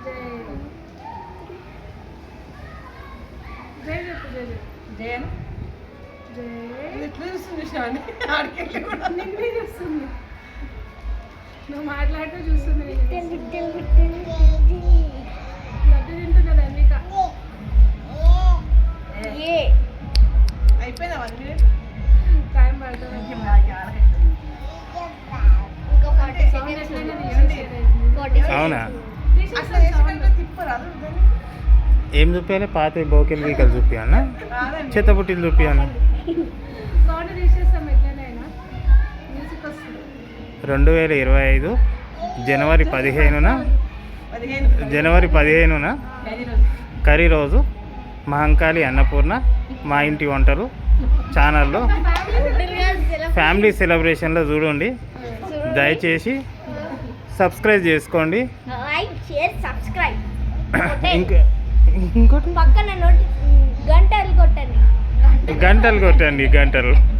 జై చెప్పు జై చెప్పు జయన్ జై ఎట్లా చూస్తుంది శ్రావణి ఆడికెళ్ళి కూడా నిన్నే చూస్తుంది నువ్వు మాట్లాడుతూ చూస్తుంది లడ్డు తింటున్నది అన్నిక అయిపోయిందా 1 minute టైం పడుతుంది ఇంకో 40 seconds ఉంది. 40 అవునా అట్లా వేసినాక తిప్పరాదు ఏం చూపించాలి పాత బోకెల్ గీకలు చూపించానా రాదండి చెత్తబుట్టిలు చూపించాను సౌండ్ తీసేస్తాం ఎట్లనైనా మ్యూజిక్ వస్తుంది 2025 జనవరి 15న 15 జనవరి 15న కర్రీ రోజు మహంకాళి అన్నపూర్ణ మా ఇంటి వంటలు ఛానల్లో ఫ్యామిలీ సెలబ్రేషన్లో చూడండి దయచేసి సబ్స్క్రైబ్ చేసుకోండి లైక్ షేర్ సబ్స్క్రైబ్ ఇంకోటి పక్కన గంటలు కొట్టండి గంటలు కొట్టండి గంటలు